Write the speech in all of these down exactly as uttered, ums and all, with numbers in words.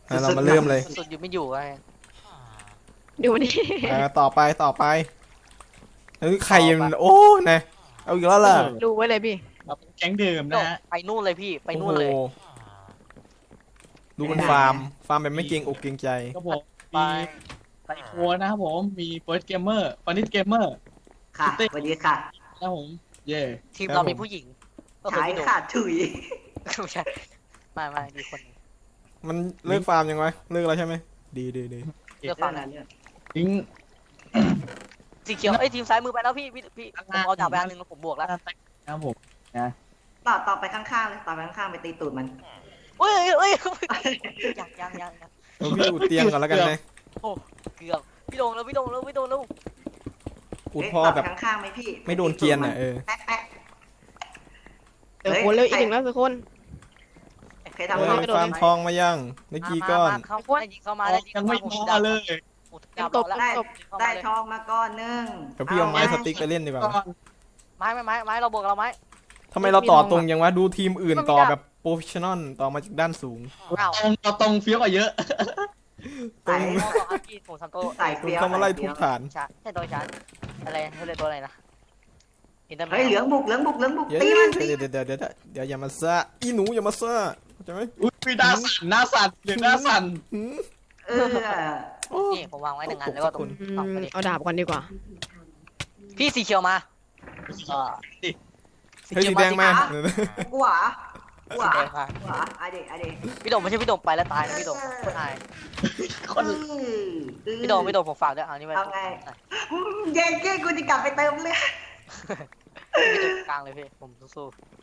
เรามาเริ่มเลยสุดอยู่ไม่อยู่ไงดูนี่ต่อไปต่อไปเฮ้ยใครมันโอ้นะเอาอีกแล้วล่ะดูไว้เลยพี่เราเป็นแก๊งเดิมนะฮะไปนู่นเลยพี่ไปนู่นเลยโอ้โหดูมันฟาร์มฟาร์มแบบไม่เกรงอกเกรงใจก็ผมไปมีไซโคนะครับผมมีเฟิร์สเกมเมอร์ฟานิสเกมเมอร์ค่ะสวัสดีค่ะนะครับผมเย่ทีมเรามีผู้หญิงก็คือฉายพี่โดค่ะถุยไม่ใช่ไม่ไม่ดีคนนึงมันเลิกฟาร์มยังไงเลิกแล้วใช่ไหมดีดีดีเลือกฝั่งนั้นทิ้งสีเขียวไอ้ยทีมซ้ายมือไปแล้วพี่พี่พี่ผมเอาดาบไปอันหนึงแล้วผมบวกแล้วนะครับผมต่อต่อไปข้างๆเลยต่อไปข้างๆไปตีตูดมันเอ้ยเอ้ยยังยังยังยังเออพี่อุดเตียงก่อนแล้วกันนะโอ้เกือบพี่โดงแล้วพี่โดงแล้วพี่โดงแล้วอุดเอ๊ะพ่อต่อแบบไปข้างๆไหมพี่ไม่โดนเกรียนอ่ะเออแป๊ะแป๊ะเดี๋ยวคนเร็วอีกหนึ่งแล้วสักคนเคยเอทำออะไรฟาร์มทองมายังเมื่อกี้ก้อนมาเข้าได้ยิงเข้ามาได้ยิงยังเข้าไม่มาผมพดาอบ เลยดาบแล้วได้ได้ได้ทองมาก้อนหนึงเดี๋ยวพี่เอาไม้สติ๊กไปเล่นดีกว่าก่อนไม้ไม้ไม้ไม้เราบวกเราไม้ทำไมเราต่อตรงยังวะดูทีมอื่นต่อแบบโปรเฟชชั่นอลต่อมาจากด้านสูงอ้าวตรงเราตรงเฟี้ยวกว่าเยอะตรงโอ้อาพี่ผมซันโตใส่คุณเฟี้ยวเข้ามาไล่ทุบฐานชาใช่ตัวชาอะไรเขาเรียกตัวอะไรนะอินเตอร์แมเฮ้ยเหลืองบุกเหลืองบุกเหลืองบุกเดี๋ยวตีมันตีเดี๋ยวเดี๋ยวเดี๋ยวเดี๋ยวเดี๋ยวอย่ามาซ่าอีหนูอย่ามาซ่าเข้าใจไหมอุ้ยมีหน้าสั่นหน้าสั่นเดี๋ยวหน้าสั่นหืมเออโอ้นี่ผมวางไว้หนึ่งอันแล้วก็ตรงอืสองมคนนี้เอาดาบก่อนดีกว่าพี่สีเขียวมาเออเฮ้ยสีแดงมากูหวากูหสีวาแดงมากูหวาอะเด็กอะเด็กพี่โดมไม่ใช่พี่โดมไปแล้วตายนะพี่โดมคนตายคนพี่โดมพี่โดมผมฝากด้วยเอานี่ไว้เอาไงเย็นเก้กูจะกลับไปเติมเลือดพี่โดมกลางเลยพี่ผมสู้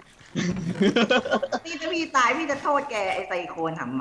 พี่ถ้าพี่ตายพี่จะโทษแกไอไซโคนหำหมา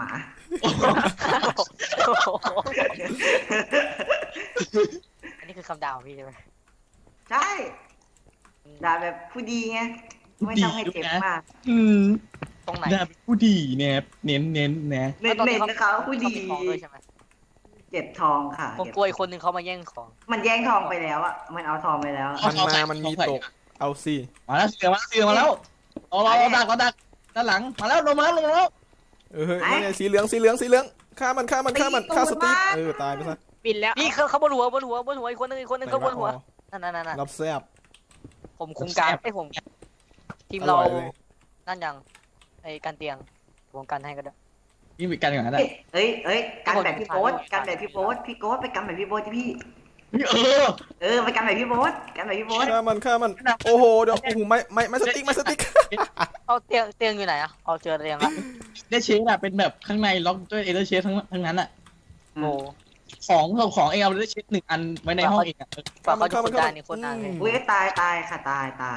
ๆอันนี้คือคำด่าของพี่ใช่ไหมใช่ด่าแบบผู้ดีไงไม่ต้องให้เจ็บมากอืมตรงไหนน่าเป็นผู้ดีเนี่ยเน้นเน้นนะเน็ตเน็ตนะคะผู้ดีเขามีของด้วยใช่ไหมเก็บทองค่ะผมกลัวอีกคนนึงเขามาแย่งของมันแย่งทองไปแล้วอ่ะมันเอาทองไปแล้วมันมามันมีตกเอาสิมาแล้วเสือมาเสือมาแล้วเอาเราเราดักเราดักด้านหลังมาแล้วลงมาแล้วลงมาแล้วเออเฮ้ยนี่ไงสีเหลืองสีเหลืองสีเหลืองฆ่ามันฆ่ามันฆ่ามันฆ่าสตีฟเออตายไปซะบินแล้วพี่เขาเขาบนหัวบนหัวบนหัวอีกคนนึงอีกคนนึงเขาบนหัวนั่นนั่นนั่นรับแซ่บผมคุมการไอ้ผมทีมเราอร่อยเลยนั่นยังไอ้การเตียงผมกันให้ก็ได้นี่มีกันอย่างนั้นเอ้ยเอ้ยเอ้ยกันแบบพี่โบ๊ทกันแบบพี่โบ๊ทพี่โบ๊ทไปกันแบบพี่โบ๊ทที่พี่เออเออไปกันแบบพี่โบ๊ทกันแบบพี่โบ๊ทฆ่ามันฆ่ามันโอ้โหเดี๋ยวโอ้โหไม่ไม่ไม่สติ๊กไม่สติ๊กเอาเตียงเตียงอยู่ไหนอะเอาเจอเตียงละได้เชฟอะเป็นแบบข้างในล็อกด้วยเอเดอร์เชฟทั้งทั้งนั้นอะโอ้ของของของเองเอาได้เชฟหนึ่งอันไว้ในห้องเองอะฝากเขาจะคนได้นี่คนนานเลยอุ้ยตายตายค่ะตายตาย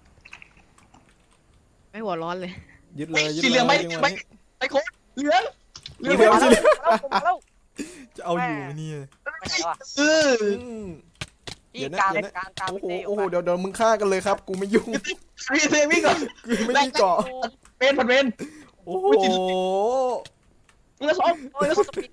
ไม่หัวร้อนเลยยึดเลยยึดสีเหลืองเลไม่ยยึดไม่เลยไอ้โค้ดเหลืองเหลืสีองเหลืองสีเหลืองแล้วผมแล้วจะเอาอยู่ไหมเนี่ยไม่ไหนวะเอออืมพี่เดี๋ยวนะกลางเดี๋ยวนะกลางกลางโอ้โหเต้โอ้โหเดี๋ยวเดี๋ยวมึงฆ่ากันเลยครับ กูไม่ยุ่งพี่เซมี่ก่อนกูไม่มีเกาะเป็นผัดเป็นโอ้โหมึงจะซ้อมโอ้ยแล้วสปิน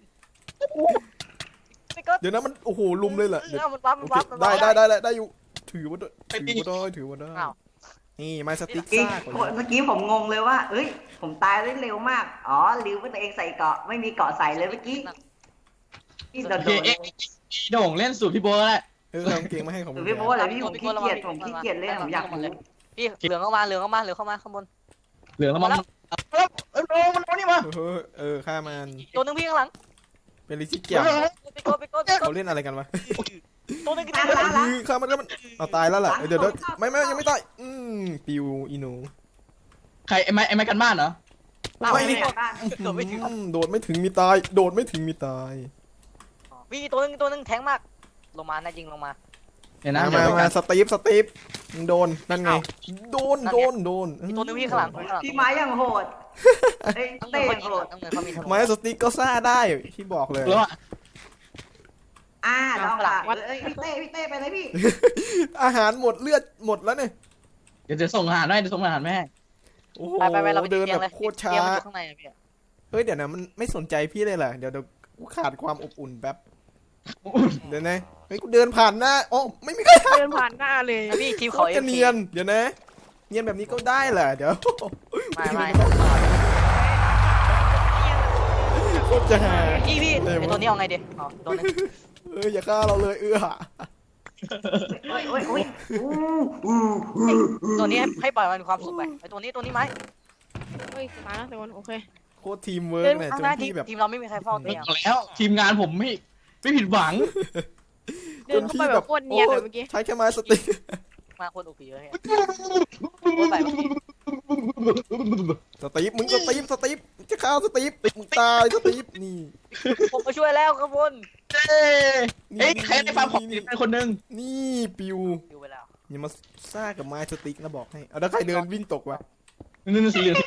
ไม่ก็เดี๋ยวนะมันโอ้โหลุมเลยเหรอเดี๋ยวมันวับโอมันเควับมันได้วับได้ได้ได้ได้อยู่ถือว่าได้ถือว่าได้ถือว่าได้อ้าวนี่ไม้สติ๊กเมื่อกี้ซ่ากว่าเมื่อกี้ผมงงเลยว่าเอ้ยผมตายได้เร็วมากอ๋อลืมว่าตัวเองใส่เกาะไม่มีเกาะใส่เลยเมื่อกี้พี่โดโอน เคโดนเอ็กโด่งเล่นสูตรพี่โบแหละเออเอากางเกงมาให้ของหรืมึอง พี่โบ๊ทเหรอพี่ผมขี้เกียจผมขี้เกียจเล่นผมอยากรู้พี่เหลืองเข้ามาเหลืองเข้ามาเหลืองเข้ามาข้างบนเหลืองแล้วมันแล้วเออมันเอานี่มาเออเออฆ่ามันตัวนึงพี่ข้างหลังเป็นลิซี่เกียวไปโกไปโกไปโกเขาเล่นอะไรกันวะตัวนึงกินล้างล้างล้างคือฆ่ามันก็มันเอาตายแล้วล่ะเออเดี๋ยวเดี๋ยวไม่ไม่ยังไม่ตายอืมปิวอีหนูใครไอ้ไม้ไอ้ไม้กันบ้านเหรอเราไม่ได้บ้านเกือบไม่ถึงอืมโดดไม่ถึงมีตาย โดดไม่ถึงมีตายพี่ตัวนึงตัวนึงแทงมากลงมานะยิงลงมาเดี๋ยวนะมาเดี๋ยวมาไปมากันสตีฟสตีฟมึงโดนนั่นไง โดนโดนโดนมีตัวนึงพี่ข้างหลังข้างหลังพี่ไม้ยังโหดเอ้ยต้องเต้เงินยังโหดต้องเงินเขามีทั้งไม้สติ๊กก็ซ่าได้ที่บอกเลยแล้วอะอ่าลองค่ะเอ้ยพี่เต้พี่เต้ไปเลยพี่อาหารหมดเลือดหมดแล้วเนี่ยเดี๋ยวจะส่งอาหารให้เดี๋ยวส่งอาหารแม่โอ้โหไปไปไปเราไปเดินเตียงแบเลยบโคตรช้าเตียงมันอยู่ข้างในอะพี่เฮ้ยเดี๋ยวนะมันไม่สนใจพี่เลยเหรอเดี๋ยวเดี๋ยวกูขาดความอบอุ่นแป๊บเดี๋ยวนะเฮ้ยกูเดินผ่านหน้าอ๋อไม่มีใครเดินผ่านหน้าเลยพี่ทีมโคเขาตรเอจะฟเนียนเดี๋ยวนะเนียนแบบนี้ก็ได้เหรอเดี๋ยวไม่ไม่คโคตรจะหาพี่พี่เลยไอวะตัวนี้เอาไงดีอ๋อตัวนึงเอ้ยอย่าฆ่าเราเลยเอื้อโอ้ยโอ้ยโอ้ยอู้อู้อู้ตัวนี้ให้ให้ปล่อยมันมีความสุขไปไอตัวนี้ตัวนี้ไหมเฮ้ยตายแล้วทุกคนโอเคโคตรทีมเวิร์เดิกนเนี่ยข้างจหน้าน ทีพี่แบบทีมเราไม่มีใครเฝ้าตัวบเองอกแล้วทีมงานผมไม่ไม่ผิดหวังเดินเข้าไปแบบโคตรเนียนเลยเมื่อกี้ใช้แค่ไม้สติ๊กมาคนอุปเยอะให้โคตรไปสตีฟมึงสตีฟสตีฟจะฆ่าสตีฟมึงตายสตีฟนี่ผมมาช่วยแล้วครับบนเอ้ยเฮ้ยใครได้ฟาร์มของดีเป็นคนหนึ่งนี่ปิวอยู่ไปแล้วอย่ามาซ่ากับไม้สติ๊กนะบอกให้เอาแล้วใครเดินวิ่งตกวะนี่นี่สีเหลือง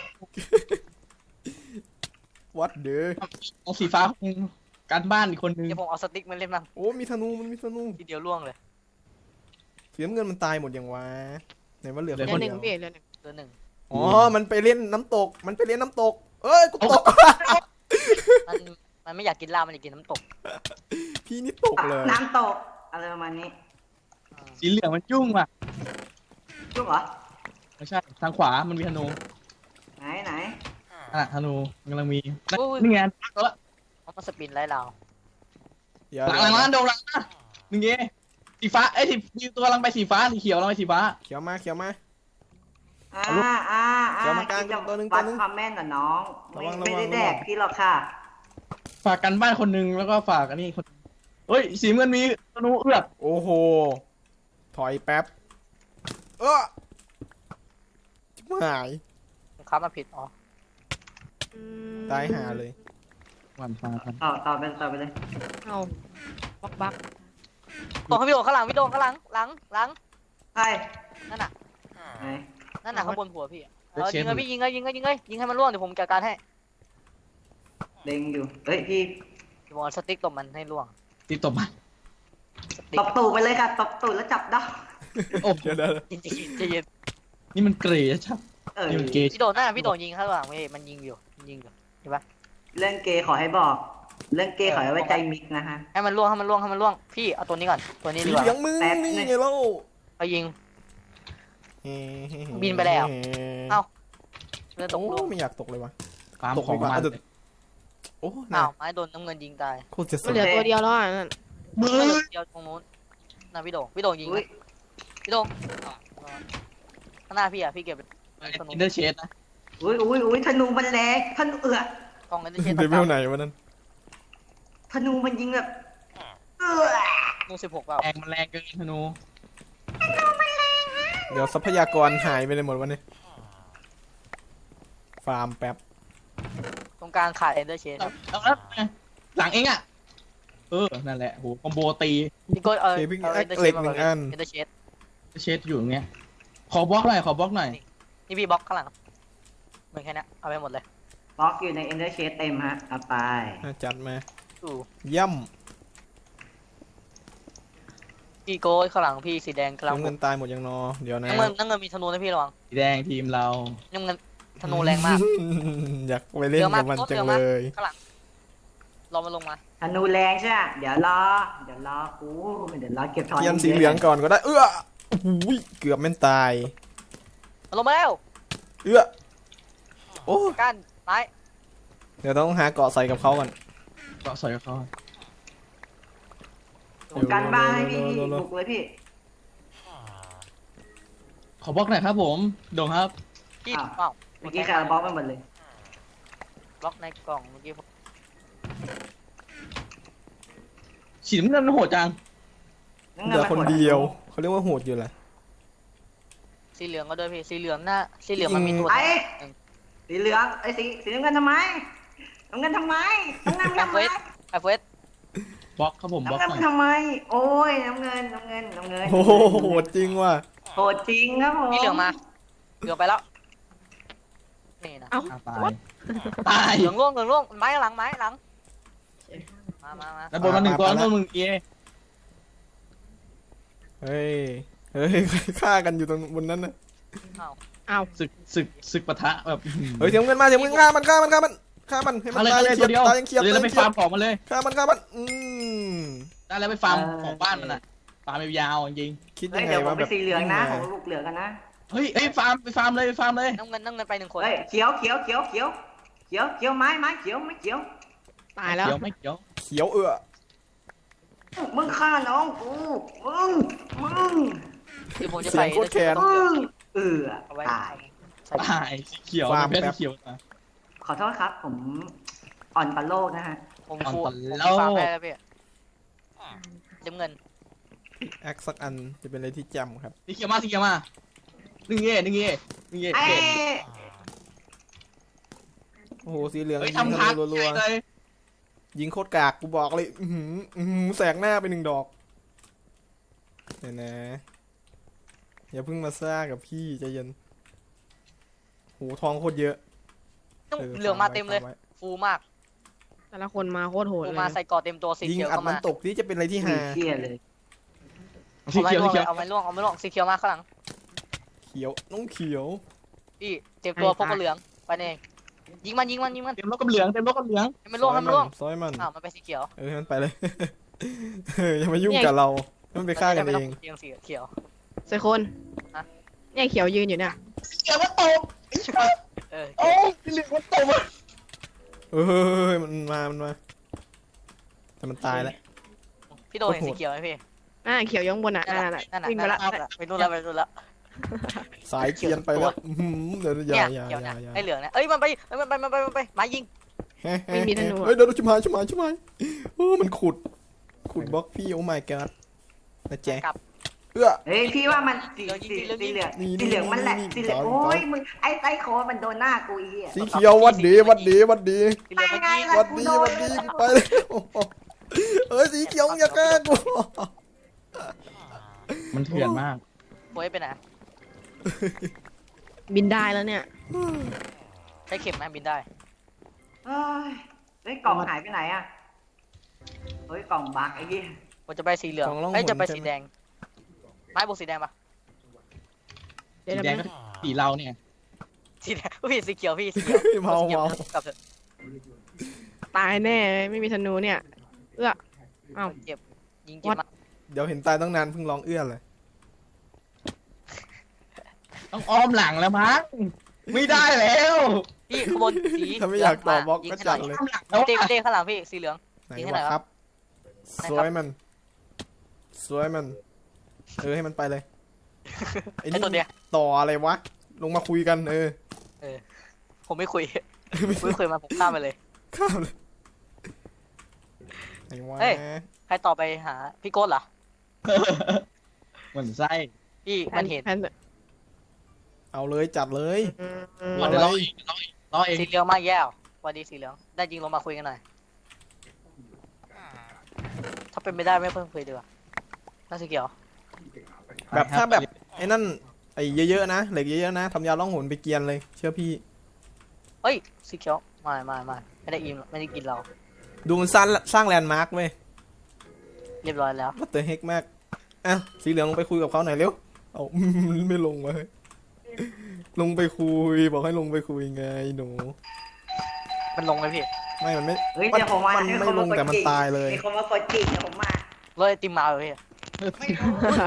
วัดเด้อเอาสีฟ้าคนหนึ่งการบ้านอีกคนหนึ่งเดี๋ยวผมเอาสติ๊กมาเล่นบ้างโอ้มีธนูมันมีธนูทีเดียวล่วงเลยเสียเงินมันตายหมดยังวะไหนว่าเหลือเดืคอนนหเดีนึ่งยวพี่เดือนหนึ่งเดือนหนึ่งอ๋อมันไปเล่นน้ำตก มันไปเล่นน้ำตก เอ้ยกูตกมันมันไม่อยากกินลาบมันอยากกินน้ำตกพี่นี่ตกเลยน้ำตกอะไรประมาณนี้สีเหลืองมันยุ่งว่ะจุ๊บเหรอไม่ใช่ทางขวามันมีธนูไหนไหนอ่ะธนูมันกำลังมีนี่ไงตัวละมันมาสปินไล่เราเดี๋ยวหลังหลังร้านโดนหลังนะหนึ่งเงี้สีฟ้าเอ้ยสีตัวกำลังไปสีฟ้าสีเขียวกำลังไปสีฟ้าเขียวมาเขียวมาอ่าอ่าอ่าเดี๋ยวมากลางคิดจะตัวหนึ่งวัดตัวหนึ่งความแม่นกับน้องไม่ระวังระวังไม่ได้แดกระวังพี่หรอกค่ะฝากกันบ้านคนหนึ่งแล้วก็ฝากอันนี้คนเฮ้ยสีเงินมีธนูเอือกโอ้โห ถอยแป๊บ เออชิบหายผมค้ามาผิดอ๋ออืมตายหาเลยหวานฟ้ากันต่อต่อไปต่อไปเลยเอาบักบักตัวข้างพี่โดข้างหลังพี่โดข้างหลังหลังหลังใช่นั่นน่ะไหนนั่นน่ะข้างบนหัวพี่เออยิงเลยพี่ยิงเลยยิงเลยยิงเลยยิงให้มันล่วงเดี๋ยวผมจัดการให้เล็งอยู่เฮ้ยพี่พี่บอลสติ๊กตบมันให้ล่วงตีตบมาสติ๊กตบตูดไปเลยค่ะตบตูดแล้วจับดอกโอ้เดี๋ยวเดี๋ยวจริงๆจะเย็นนี่มันเกรย์ชัดเออนี่มันเกย์พี่โดนั่นน่ะพี่โดยิงข้างหลังไม่มันยิงอยู่มันยิงอยู่เห็นปะเรื่องเกย์ขอให้บอก เรื่องเกย์ขอให้ไว้ใจมิกนะฮะให้มันล่วงให้มันล่วงให้มันล่วงพี่เอาตัวนี้ก่อนตัวนี้สีดีกว่าเหลืองมึงแป๊บนี่นึงไงเล่าเอายิง บินไปแล้ว เอ้า เรือตโอ้กล่วงไม่อยากตกเลยวะฟาร์มตกของดีกว่ามาเอาเถอะโอ้อ้าน่าวไม้โดนน้ำเงินยิงตายโคตรจะสมันนเหลือตัวเดียวแล้วอ่ะนั่นมือไม่เหลือเดียวตรงนู้นน่ะพี่โดพี่โดยิงอุ้ยพี่โดข้างหน้าพี่อ่ะพี่เก็บอินเดอร์เชดนะอุ้ยอุ้ยอุ้ยธนูมันแรงธนูเอือกล้องนั้นจะเช็ดเดเวลไหนวะนั่นธนูมันยิงแบบเอือกนูสิบหกเปล่าแรงมันแรงเกินธนูเดี๋ยวทรัพยากรหายไปเลยหมดวันนี้ฟาร์มแป๊บตรงกลางขาดเอนเดอร์เชนเอาแล้วหลังเองอ่ะเออนั่นแหละโหคอมโบตีพี่โก้เออเคพี่เอาแอเอคนเดอร์เชเหล็นกมาหแบนึ่บงอันเอนเดอร์เชนเชดอยู่ตรงเนี้ยขอบล็อกหน่อยขอบล็อกหน่อยนี่พี่บล็อกข้างหลังเหมือนแค่นี้เอาไปหมดเลยบล็อกอยู่ในเอนเดอร์เชสเต็มฮะเอาไปอ่ะจัดมาดูย่พี่โก้ข้างหลังพี่สีแดงำกำลังน้ำเงินตายหมดยังนอ เดี๋ยวนะน้ำเงินน้ำเงินมีธนูนะพี่ระวังสีแดงทีมเราน้ำเงินธนูแรงมากอยากไปเล่นกับมันจังเลยข้างหลังรอมันลงมาธนูแรงใช่ไหมเดี๋ยวรอ เดี๋ยวรอกูเดี๋ยวรอเก็บทอนเทียนสีเหลืองก่อนก็ได้ เอื้ออุ้ยเกือบแม่นตายมันลงมาแล้วเอื้อโอ้ก้านไม้เดี๋ยวต้องหาเกาะใส่กับเขาก่อนก็สวยกับเขาผมกันบ้านให้พี่เร็วๆๆๆบุกเลยพี่ขอบล็อกหน่อยครับผมโด่งครับพี่อ้าวเปล่าเมื่อกี้ใครเอาบล็อกไปหมดเลยบล็อกในกล่องเมื่อกี้ผมสีน้ำเงินมันโหดจังนั่นเหไงลือมัคนหมเดียว เขาเรียกว่าโหดอยู่แหละสีเหลืองก็ด้วยพี่สีเหลืองหน้าสีเหลืองมันมีตัวไอ้สีเหลืองไอ้สีสีน้ำเงินทำไมน้ำเงินทำไมน้ำเงินทำไมไอเฟสบล็อกครับผมบล็อกน้ำหน่อยเงินทำไม โอ้ยน้ำเงินน้ำเงินน้ำเงินโอ้โหโหดจริงว่ะโหดจริงครับผมพี่เหลืองมาเหลืองไปแล้วนี่นะเอ้าอ่ะตายตายเหลืองร่วงเหลืองร่วงไม้หลังไม้หลังมามามาแล้วบนมาหนึ่งตัวแล้วบนมึงเกียเฮ้ย เฮ้ยฆ่ากันอยู่ตรงบนนั้นนะเอาศึกศึกศึกปะทะแบบเฮ้ยเสียงเงินมาเสียงเงินฆ่ามันฆ่ามันฆ่ามันฆ่ามันให้มันอะไรตายอะไรยังตัเขีวย เดียวดตายยังเขียดเลยตายแล้วยัไปงเขียฟาดร์มของมันเลยฆ่ามันฆ่ามันอืมได้แล้วไปฟาร์มของบ้านมันอ่ะฟาร์มยาวๆจริงคิดเฮ้ยัยงไงเดี๋ยวผมว่าไปแบบสีเหลืองนะผมลูกเหลืองกันนะเฮ้ยเฮ้ยฟาร์มไปฟาร์มเลยไปฟาร์มเลยน้ำเงินน้ำเงินไปหนึ่งคนเฮ้ยเขียวเขียวเขียวเขียวเขียวเขียวไม้ไม้เขียวไม่เขียวตายแล้วเขียวไม่เขียวเขียวเอือมึงฆ่าน้องกูมึงมึงเดี๋ยวผมจะเสีใส่ยงโคตรแค้นมึงเออเอาไว้ตายใส่ตายสีเขียวฟาร์มแพ้แป๊สีบเขียวมาขอโทษครับ ผมอ่อนปลาโลกนะฮะผมอ่อนฟูปผลาม โลกฟาร์มได้แล้วพี่จำเงินแอคสักอันจะเป็นอะไรที่จำครับสีเขียวมาสีเขียวมาหนึ่งเย่หนึ่งเย่หนึ่งเย่ไอ้เย่โอ้โหสีเหลืองเฮ้ยยิงทำธทางนูรัวเลยๆยิงโคตรกากกูบอกเลยอื้อหืออื้อหือแสกหน้าไปหนึ่งดอกเดี๋ยวนะอย่าเพิ่งมาซ่ากับพี่ใจเย็นโหทองโคตรเยอะต้องเหลืองมาเต็มเลยฝกไว้ฟูมากแต่ละคนมาโคตรโหดฟูเลยมาใส่กอเต็มตัวสียิงเขียวอัดเข้ามัมานตกนี่จะเป็นอะไรที่มีหาเชี่ยเลยสีเอาไม้เขียวล่วสีงเขียวเอาไม้ล่วงเอาไม้ล่วงสีเขียวมาข้างหลังเขียวน้องเขียวพี่เจ็บตัวพวกก็เหลืองไปเองยิงมันยิงมันยิงมันเต็มรถกับเหลืองเต็มรถกับเหลืองให้มันล่วงให้มันล่วงซอยมันอ้าวมันไปสีเขียวเออให้มันไปเลย เอออย่ามายุ่งกับเราให้มันไปฆ่ากันเองเองสีเขียวใส่คนเนี่ยเขียวยืนอยู่เนี่ยสีเขียวมันตกเออโอ้ยสีเหลืองมันตกเออมันมามันมาแต่มันตายแล้วพี่โดเห็นสีเขียวไหมพี่อ่าเขียวอยข้างบนอ่ะนั่นนั่นน่ะน่ะนั่นน่ะวิ่งไปนั่นละน่ะไปนู่นแล้วไปนู่นแล้วสายเกียนไปแล้วอื้อหือเดี๋ยวอย่าเนี่ยอย่าเขียวอย่าเนี่ยอย่าไอ้เหลืองเนี่ยเอ้ยมันไปมันไปมันไปมันไปมายิงเฮ้ยเฮ้ยเฮ้ยเดี๋ยวชิมหายชิมหายชิมหายโอ้มันขุด ขุดบล็อกพี่โอ้ my god นะแจ๊กลับเอื้อเฮ้ยพี่ว่ามันสีเหลืองยิงสีเหลืองยิสีงเหลืองนี่สีเหลืองมันแหละนี่สีเหลืองนี่โอ้ยมึงไอ้ไซโคมันโดนหน้ากูอีอ่ะสีเขียววัดดีวัดดีวัดดีสีเหลืองมันยิงไงวัดดีวัดดีกูไปเลยโอ้โหเอ้ยสีเขียวอย่าแกล้งกูมันเถื่อนมากโวยไปไหนบินได้แล้วเนี่ยใช้เข็มไหมบินได้เฮ้ยเฮ้ยกล่องหายไปไหนอ่ะเฮ้ยกล่องบักไอ้ยี่ผมจะไปสีเหลืองเอ้ยจะไปสีแดงไม้บวกสีแดงปะเดี๋ยวสีเดี๋ยวแดงมันก็สีเราเนี่ยสีแดงพี่สีเขียวพี่สีเขียวเมาเมากลับเถอะตายแน่เลยไม่มีธนูเนี่ย เอื้อเอ้าเจ็บยิงเจ็บมากเดี๋ยวเห็นตายตั้งนานเพิ่งร้องเอื้อเลยต้องอ้อมหลังแล้วมั้งไม่ได้แล้วพี่ขบวนสีถ้าไม่อยากต่อบล็อกยิงก็ให้หน่จัอยดเลยอ้อมหลังแล้วเต้อะเต้ข้างหลังพี่สีเหลืองไหนยิงให้หน่วะอยคครัรับบสวยมัน สวยมัน เออให้มันไปเลย ไอ้ไอ้นี่ตัวเนี้ยต่ออะไรวะ ลงมาคุยกันเออผมไม่คุยผมไม่คุยมาผมข้ามไปเลยข้ามเลยไหนวะเฮ้ย ใครต่อไปหาพี่โก้เหรอเหมือนไส้พี่แพมัน นเห็นแพนเอาเลยจัดเลยอืมเอาเดี๋ยวเลรอย เองรอเองสีเหลืองมากแย่วสวันดีสีเหลืองได้จริงลงมาคุยกันหน่อยถ้าเป็นไม่ได้ไม่เพิ่งคุยดีกว่าน่าสีเขียวแบบถ้าแบบไอ้นั่นไอ้เยอะๆนะเหล็กเยอะๆนะทำยาล่องหนไปเกียนเลย เชื่อพี่เฮ้ยสีเขียวไม่ไม่ไม่ไม่ได้อิ่มไม่ได้กินเราดูมันสร้างสร้างแลนด์มาร์คเว้ยเรียบร้อยแล้ววัตเตอร์เฮกมากอ่ะสีเหลืองลงไปคุยกับเขาหน่อยเร็วเอา ไม่ลงมาเฮ้ยลงไปคุยบอกให้ลงไปคุยไงหนูมันลงไหมพี่ไม่มันไม่เฮ้ยเดี๋ยวผมมามันให้ไม่คนลมาง กดแต่มันจิกตายเลยมีคนมากดจิกเดี๋ยวผมมารถไอติมมาเลยพี่ไม่รู้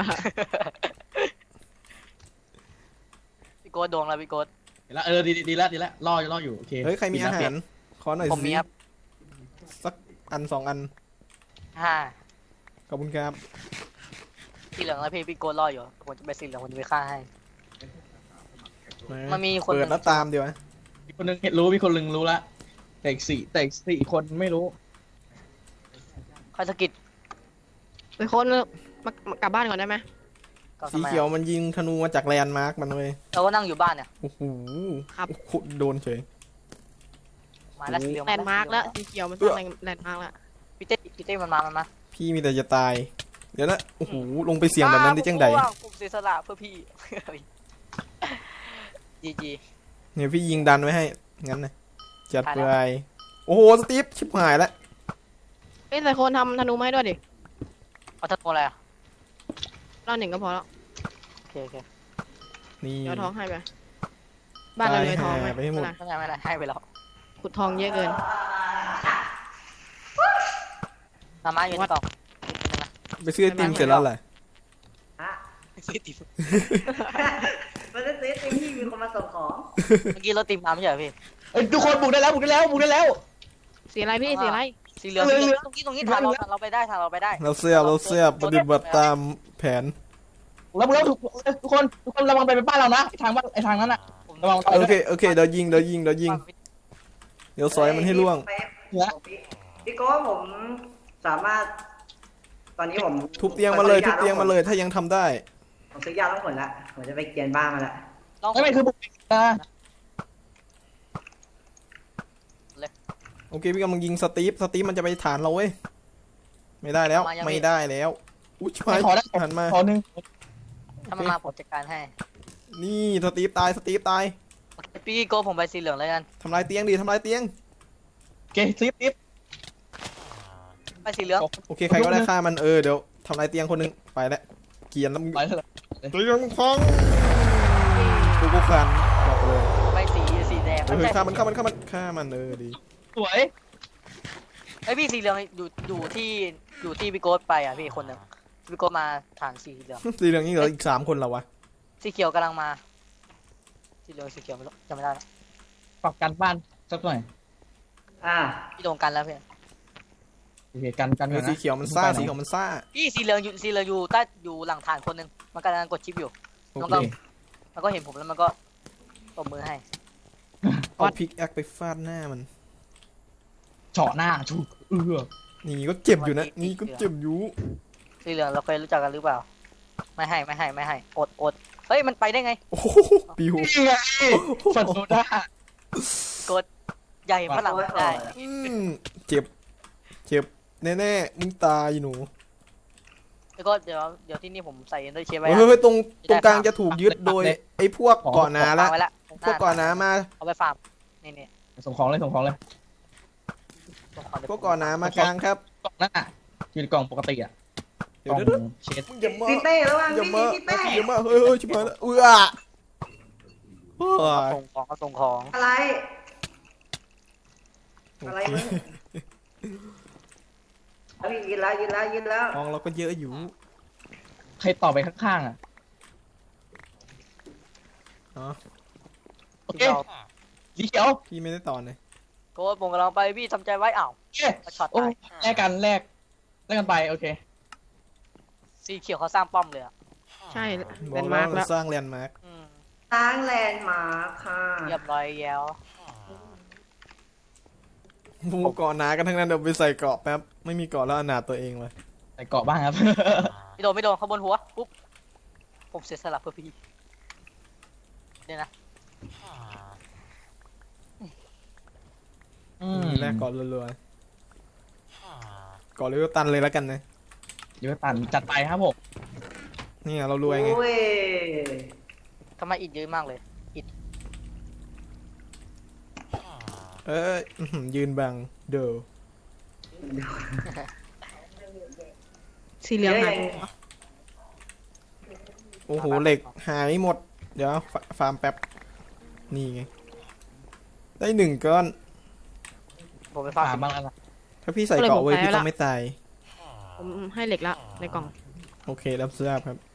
พี่โก้ดวงแล้วพี่โก้เดี๋ยวละเออดีดีดีละดีละรอรออยู่โอเคเฮ้ยใครมีอาหารขอหน่อยผมมีสิครับสักอันสองอันห้าขอบคุณครับสีเหลืองแล้วพี่พี่โก้รออยู่ผมจะไปสีเหลืองผมจะไปฆ่าให้ มันมีคนเปิดแล้วตามเดี๋ยวนะมีคนหนึงเห็นรู้มีคนหนึงรู้ละแต่อีกสี่แต่อีกสี่คนไม่รู้คอยสะกิดไปคนมามากลับบ้านก่อนได้ไหมก็สีทำไมเขียวอะมันยิงธนูมาจากแลนด์มาร์กมันเลยเราก็นั่งอยู่บ้านเนี่ยโอ้โหครับโอ้โหโดนเฉยมาแล้วสีเหลืองแลนด์มาร์กแล้วสีเขียวมันสร้างแลนด์มาร์กแล้วพี่เต้พี่เต้มันมามันมาพี่มีแต่จะตาย เดี๋ยวนะโอ้โหลงไปเสี่ยงแบบนั้นได้จังใดอ้าวผมเสียสละเพื่อพี่ จีจีเนี่ยพี่ยิงดันไว้ให้งั้นนะจัดตายไปแล้วโอ้โหสตีฟชิบหายแล้วเอ้ยใส่คนทำธนูมาให้ด้วยดิเอาทันโมอะไรอ่ะรอบหนึ่งก็พอแล้วโอเคโอเคนี่เดี๋ยวทองให้ไปบ้านเราเลยทองตายหาไปให้หมดนะไม่เป็นไรไม่เป็นไรให้ไปแล้วขุดทองเยอะเกินมาม่าอยู่ในกล่องไปซื้อไอติมเสร็จแล้วแหละฮะซื้อติมมันจะซื้อติมที่มีคนมาส่งของเมื่อกี้รถติมมาไม่ใช่เหรอพี่เอ้ยทุกคนบุกได้แล้วบุกได้แล้วบุกได้แล้วสีอะไรพี่สีอะไรสีเหลืองสีเหลืองตรงนี้ตรงนี้ทางเราทางเราไปได้ทางเราไปได้เราเสียบเราเสียบปฏิบัติตามแผนแล้วแล้วทุกทุกคนทุกคนระวังไปเป็นบ้านเรานะไอ้ทางบ้านไอ้ทางนั้นอ่ะผมระวังโอเคโอเคเดี๋ยวยิงเดี๋ยวยิงเดี๋ยวยิงเดี๋ยวซอยมันให้ล่วงพี่โก้ผมสามารถ ตอนนี้ผมทุบเตียงมาเลยทุบเตียงมาเลยถ้ายังทำได้ผมซื้อยาต้องผลละผมจะไปเกียนบ้านมาละต้องไม่ไม่คือบุกนะโอเคพี่กำลังยิงสตีฟสตีฟมันจะไปฐานเราเว้ยไม่ได้แล้วไม่ได้แล้วอุ้ยชิบหายขอได้หันมาขอหนึ่งถ้ามันมาผมจัดการให้นี่สตีฟตายสตีฟตายพี่โก้ผมไปสีเหลืองเลยกันทำลายเตียงดิทำลายเตียงโอเคซิปซิปไปสีเหลืองโอเคใครก็ได้ฆ่ามันเออเดี๋ยวทำลายเตียงคนหนึงไปแล้วเกรียนแล้วมึงไปเถอะเตียงพังกูกูคันบอกเลยไปสีสีแดงเฮ้ยฆ่ามันฆ่ามันฆ่ามันฆ่ามันเออดีสวยไอพี่สีเหลืองอยู่อยู่ที่อยู่ที่พี่โก้ไปอ่ะพี่คนหนึ่งพี่โก้มาฐานสีเหลืองสีเหลืองนี่เหลืออีกสามคนแล้ววะสีเขียวกำลังมาสีเหลืองสีเขียวไม่รู้จำไม่ได้แล้วปรับการบ้านสักหน่อยอ่าพี่โดนกันแล้วเพื่อนโอเคกันกันเออสีเขียวมันซ่าสีเขียวมันซ่าพี่สีเหลืองอยู่สีเหลืองอยู่ใต้อยู่หลังฐานคนหนึ่งมันกำลังกดชิปอยู่โอน้องเคก็มันก็เห็นผมแล้วมันก็ตบมือให้เอาพิกแอคไปฟาดหน้ามันเฉาะหน้าถูกเออนี่ก็เจ็บอยู่นะนี่ก็เจ็บอยู่สีเหลืองเราเคยรู้จักกันหรือเปล่า ไม่ให้ไม่ให้ไม่ให้อดอดเฮ้ยมันไปได้ไงโอ้โหปิวนี่ไงฟันโซดากดใหญ่ฝรั่งไม่ได้อืมเจ็บเจ็บแน่ๆมึงตายหนูแล้วก็เดี๋ยวเดี๋ยวที่นี่ผมใส่เอนเดอร์เชฟไว้เฮ้ยเฮ้ยตรงตรงกลางจะถูกยึดโดยไอ้พวกก่อนหนาละละไว้ละพวกก่อนหนามาเอาไปฟาร์มนี่นี่ส่งของเลยส่งของเลยพวกก่อนหนามากลางครับกล่องนั่นอ่ะอยู่ในกล่องปกติอ่ะเดี๋ยวกล่เดี๋ยวองเช็ดมึงอย่ามาพี่เต้ระวังอย่าพี่มาพี่เต้อย่ามาเฮ้ยเฮ้ยชิบหายแล้วเอื้อเฮ้ยส่งของก็ส่งของอะไรโออะไรเคมึงเอาพี่ยืนแล้วยืนแล้วยืนแล้วของเราก็เยอะอยู่ใครต่อไปข้างๆอ่ะอ๋อโอเคสีเขียวพี่ไม่ได้ต่อเลยโค้ดผมกำลังไปพี่ทำใจไว้อ้าวโอเคช็อตโอ้ตายแลกกันแลกแลกกันไปโอเคสีเขียวเขาสร้างป้อมเลยอ่ะใช่บเป็อกนแล้มาว ร์กเราแล้วสร้างแลนด์มาร์คอืมสร้างแลนด์มาร์คค่ะเรียบร้อยแล้วพวกก่อนหนากันทั้งนั้นเดี๋ยวไปใส่เกราะแป๊บไม่มีเกราะแล้วอนาถตัวเองเลยใส่เกาะบ้างครับไม่โดนไม่โดนเขาบนหัวปุ๊บผมเสียสละเพื่อพี่เดี๋ยวนะอืมแรกเกราะรัวๆเกราะเรียกว่าตันเลยแล้วกันนะเดี๋ยวตันจัดไปครับผมนี่ไงเรารวยไงโอ้ยทำไมอิดเยอะมากเลยเอ้ยอื้อหือยืนบังเด้อสีเหลืองหายโอ้โหเหล็กหายหมด เดี๋ยวฟาฟาร์มแป๊บนี่ไงได้หนึ่งก้อนผมไปฟาฝาร์มบ้างแล้วนะถ้าพี่ใส่เกราะไว้พี่ต้องไม่ตายผมให้เหล็กละในกล่องโอเครับทราบครับ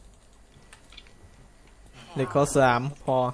เหล็กข้อสามพอ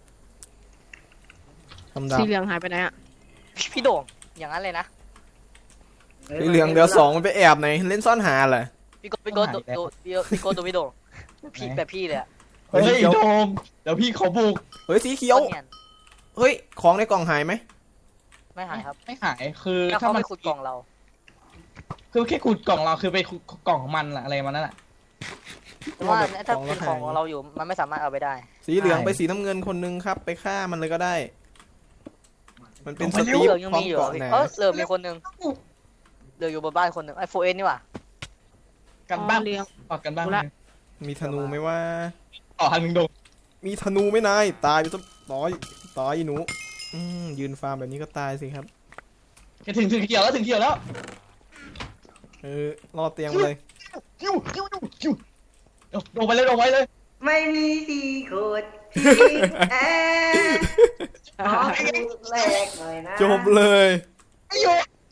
ทำดาบสีเหลืองหายไปไหนอ่ะพี่โด่งอย่างนั้นเลยนะสีเหลืองเดี๋ยวสองมันไปแอบไหนเล่นซ่อนหาเหรอพี่โกพี่โกตัวตัวพี่โกตัวพี่โด่งพี่แบบพี่เลยอะเฮ้ยโดมเดี๋ยวพี่เขาบุกเฮ้ยสีเขียวโคตรเนียนเฮ้ยของในกล่องหายไหมไม่หายครับไม่หายคือแค่ถ้าเขามัไปนขุดกล่องเราคือแค่ขุดกล่องเราคือไปขุดกล่องของมันอะอะไรมันนั่นแหละแต่ว่าถ้าเป็นของเราอยู่มันไม่สามารถเอาไปได้สีเหลืองใช่ไปสีน้ำเงินคนนึงครับ ไปฆ่ามันเลยก็ได้ มันเป็นสเหตีฟลืองยังพร้อมมีอยู่เกาะพี่หนาเออเหลือมีคนนึงเหลืออยู่บนบ้านคนนึงไอ้โฟเอ็นนี่หว่ากันบ้างเหลืองต่อกันบ้างรู้ละมีธนูไหมว่าต่อทางหนึ่งโดมมีธนูไหมนายตายไปซะต่อยต่อยหนูอืมยืนฟาร์มแบบนี้ก็ตายสิครับแค่ถึงถึงเขียวแล้วถึงเขียวแล้วเออรอเตียงมาเลยคิวคิวคิวคิวโดมไปเลยโดมไปเลยไม่มีสีโคตรพี่แอร์ขอพูดแรกหน่อยนะจบเลยไอ้โย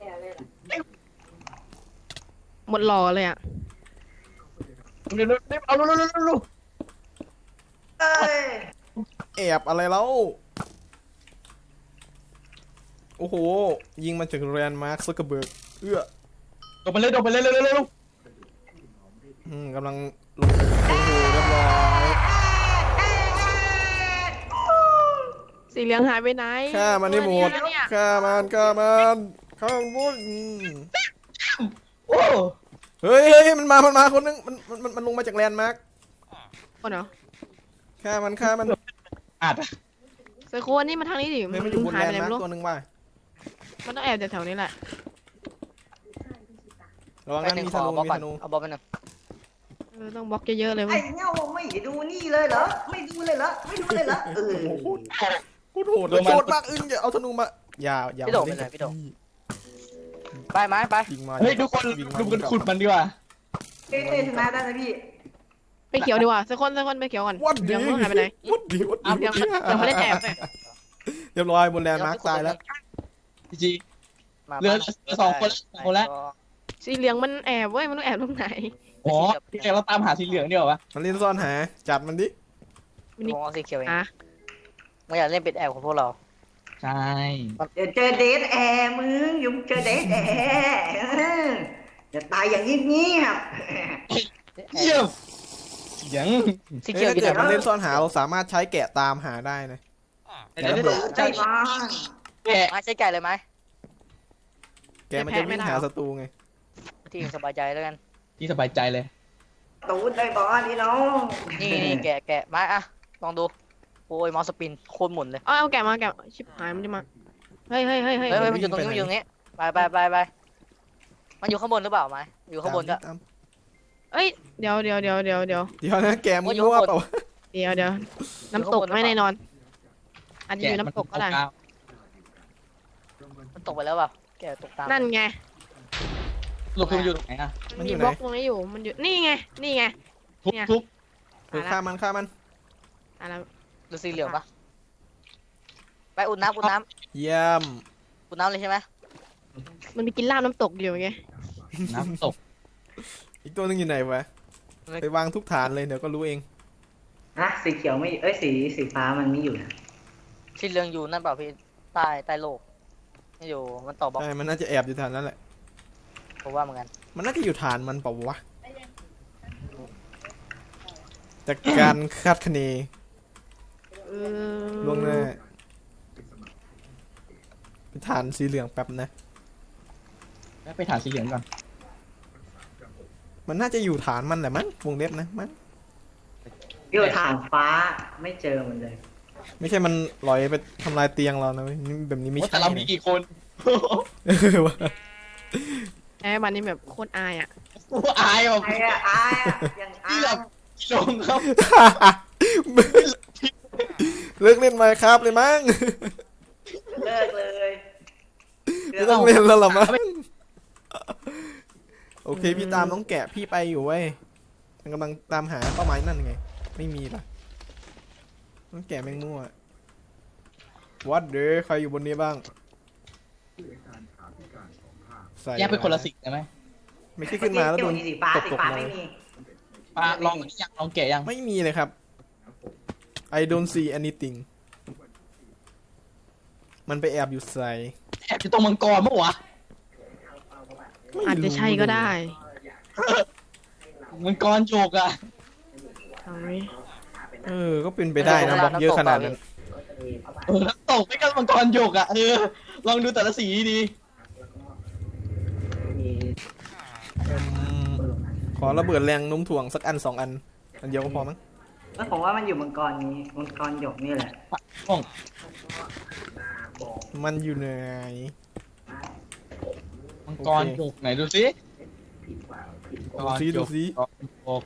หมดหล่อเลยอ่ะเดี๋ยวเดี๋ยวเอาดูดูดูดูเอ้ยแอบอะไรแล้วโโอ้โหยิงมาจากแรนด์มาร์คซักเกอร์เบิร์กเอื้อโดดไปเลยโดดไปเลยเร็วเร็วเร็วอืมกำลังลงไปโอ้โหเรียบร้อยสีเหลืองหายไปไหนฆ่ามันให้หมดตัวเนี่ยฆ่ามันฆ่ามันฆ่ามันหมดอืมโอ้เฮ้ยเฮ้ยมันมามันมาคนนึงมันมันมันลงมาจากแลนด์มาร์คคนเหรอฆ่ามันฆ่ามันอาจไซโคอันนี้มาทางนี้ดิเฮ้ยมันอยู่บนหายแลไปนไหนด์มาไม่ร์ครู้ตัวนึงว่ะมันต้องแอบแถวๆนี้แหละระวังไปนั้นหนึ่งมีขธอนูบล็อกมีก่อธนนูเอาบล็อกไปหนึ่งเออต้องบล็อกเยอะๆเลยไอ้เว้ยเงาไม่ดูนี่เลยเหรอไม่ดูเลยเหรอไม่ดูเลยเหรอเออโคตรโหดเลยโหดมากอึ้งอย่าเอาธนูมาอย่าอย่าพี่โดดไปมาเลล่ยนพี่โดดกับไปไหมไปยิงมาเฮ้ยทุกคนยิงมาดูกันขุดมันดีกว่าเต้เต้ชนะได้นะพี่ไปเขียวดีกว่าไซโคนไซโคนไปเขียวก่อนวัดเหลืดีองมันหายไปไหนวัดดีวัดดีอ้าวยังยังไม่ได้แอบเลยเรียบร้อยบนแลนด์มาร์คตายแล้วจีจีมาเหลือสองคนแล้วสองคนแล้วสีเหลืองมันแอบเว้ยมันต้องแอบตรงไหนอ๋อพี่แกเราตามหาสีเหลืองเดียววะมันเล่นซ่อนหาจัดมันดิมินิผมเอาสีเขียวเองอ่ะไม่อยากเล่นเป็นแอบของพวกเราใช่เดี๋ยวเจอเดทแอร์มึงอยุ่งเจอเดทแอร์เออจะตายอย่างเงียบเยี่ยมเสียงสีเฮ้เขียยวอยู่ถ้าไหนเกิดมันเล่นซ่อนหาเราสามารถใช้แกะตามหาได้นะเดี๋ยวเดี๋ยวๆใจบ้างแกะมาใช้ไก่เลยไหมแกะมันจะวิ่งหาศัตรูไงที่สบายใจแล้วกันที่สบายใจเลยตูดได้บอลนี่น้องนี่นี่แกะแกะมาอ่ะลองดูโอ้ยมอสสปินโคตรหมุนเลยเอาเอาแกะมาแกะชิบหายมันจะมาเฮ้ยเฮ้ยเฮ้ยเฮ้ยเฮ้ยเฮ้ยมันอยู่ตรงนี้มันอยู่ตรงนี้ไปไปไปไปมันอยู่ข้างบนหรือเปล่าไหมอยู่ข้างบนก็ตามเอ้ยเดี๋ยวเดี๋ยวเดี๋ยวเดี๋ยวเดี๋ยวเดี๋ยวนะแกะมึงว่าอยู่มั่วข้างบนเปล่าเดี๋ยวเดี๋ยวน้ำตกไม่แน่นอนอาจจะอยู่น้ำตกก็ได้มันตกไปแล้วเปล่าแกะตกตามนั่นไงหลบคือมันอยู่ตรงไหนอ่ะมันอยู่บไหนล็อกตรงนี้อยู่มันอยู่นี่ไงนี่ไงทุบเนี่ยทุบเออฆ่ามันฆ่ามันอ่ะแล้วดูสีเหลืองปะไปอุ่นน้ำอุ่นน้เยี่ยมำอุ่นน้ำเลยใช่ไหมมันมีกินลาบน้ำตกอยู่ไงน้ำตกอีกตัวหนึงอยู่ไหนวะไปวางทุกฐานเลยเดี๋ยวก็รู้เองนะสีเขียวไม่เอ้ยสีสีฟ้ามันไม่อยู่นะสีเหลืองอยู่นั่นเปล่าพี่ใต้ใต้โลกไม่อยู่มันต่อบล็อกใช่มันน่าจะแอบอยู่ฐานนั้นแหละผมว่าเหมือนกันมันน่าจะอยู่ฐานมันเปล่าวะจากการคาดคะเนเออล่วงหน้าไปฐานสีเหลืองแป๊บนะแล้วไปถามสีเหลืองก่อนมันน่าจะอยู่ฐานมันแหละมั้งวงเล็บนะมั้งอยู่ทางฟ้าไม่เจอมันเลยไม่ใช่มันลอยไปทำลายเตียงเรานะเว้ยนี่แบบนี้ไม่โอ้ใช่แต่เรามีกี่คนเออวะไอ้มันนี่แบบโคตรอายอ่ะอายแบบไอ้อะอายอะยังอาที่ยแบบลงครับเลิกเล่นไมค์ครับเลยมั้งเลิกเลยไม่ต้องเล่นแล้วหรอมั้งโอเคพี่ตามน้องแกะพี่ไปอยู่เว้ยมันกำลังตามหาเป้าหมายนั่นไงไม่มีล่ะน้องแกะแม่งมั่ววัดเด้อใครอยู่บนนี้บ้างใส่แยกเป็นคนละสีได้ไหมไม่ใช่ขึ้นมาแล้วโดนที่สีฟ้าตบสีตกฟ้าเลไม่ยมีปลาลองยังลองแกะยังไม่มีเลยครับ I don't see anything มันไปแอบอยู่ใส่แอบอยู่ตรงมังกรมั้งวะไม่รู้อาจจะใช่ก็ได้มังกรโจกอะทางนี้เออก็เป็นไปได้นะบล็อกเยอะขนาดนั้นเออแล้วตกไม่ก็มังกรโจกอะเออลองดูแต่ละสีดีอืมขอระเบิดแรงโน้มถ่วงสักอันสองอัน อันเดียวก็พอมั้งแล้วผมว่ามันอยู่มังกรนี้มังกรหยกนี่แหละห้องมันอยู่ไหนมังกรโจกไหนดูสิดูซิดูซิมังกรโจก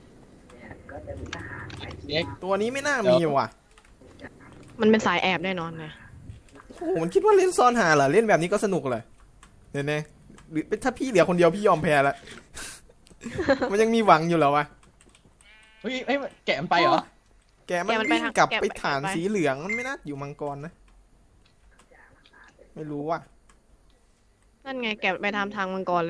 เอ็กตัวนี้ไม่น่ามีว่ะมันเป็นสายแอบแน่นอนเลยโอ้โหมันคิดว่าเล่นซ่อนหาเหรอเล่นแบบนี้ก็สนุกเลยเนี่ยเนี่ยหรือถ้าพี่เหลือคนเดียวพี่ยอมแพ้ละ มันยังมีหวังอยู่เหรอวะเฮ้ยเอ้ยแกะมันไปเหรอแกมันวิ่งกลับไปฐานสีเหลืองมันไม่น่าอยู่มังกรนะ ไม่รู้ว่ะนั่นไงแกะไปทำทางมังกรเลย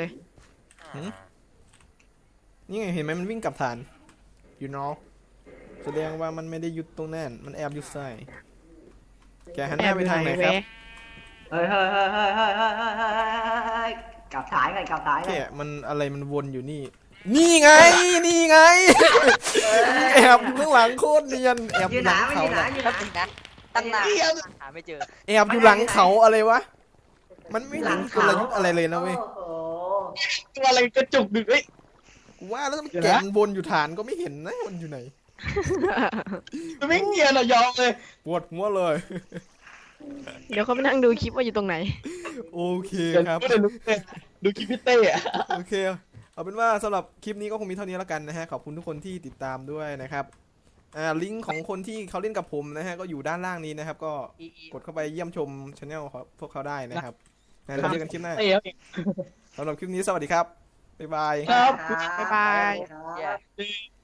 นี่ไงเห็นไหมมันวิ่งกลับฐาน อยู่นอกแสดงว่ามันไม่ได้หยุดตรงนั้นมันแอบอยู่ใส่แกหันหน้าไปทางไหนครับแเฮ้ยเฮ้ยเฮ้ยเฮ้ยเฮ้ยเฮ้ยเฮ้ยเฮ้ยกลับถ่ายกันกลับถ่ายกันเนี่ยมันอะไรมันวนอยู่นี่ นี่ไง นี่ไง แอบอยู่ข้างหลังโคตรเนียน แอบออยู่ ยู่ไหหนลังมันอเขายู่ไหนน่ะอยู่ไหนแป๊บนึงนะตั้งนานหาไม่เจอแอบอยู่หลังเขาอะไรวะ มันไม่หลัมีงกเขาลยุทธ์อะไรเลยนะเว้ยโอ้โหตัวอะไรกระจุกดึกเอ้ยกูว่าแล้วมันเดี๋ยวนะแกะมันวนอยู่ฐานก็ไม่เห็นนะมันอยู่ไหนมันไม่เงียบอะยอมเลยปวดหัวเลยเดี๋ยวเขาไปนั่งดูคลิปว่าอยู่ตรงไหนโอเคเดี๋ยวครับดูดูดูคลิปพี่เต้อะโอเค เอาเป็นว่าสำหรับคลิปนี้ก็คงมีเท่านี้แล้วกันนะฮะ ขอบคุณทุกคนที่ติดตามด้วยนะครับ อ่า ลิงก์ของคนที่เขาเล่นกับผมนะฮะ ก็อยู่ด้านล่างนี้นะครับ ก็อีอีกดเข้าไปเยี่ยมชมช anel ของพวกเขาได้นะครับนะเราเจอกันคลิปหน้าเต้เอาเองสำหรับคลิปนี้สวัสดีครับ บ๊ายบายครับบ๊ายบายครับ Yeah.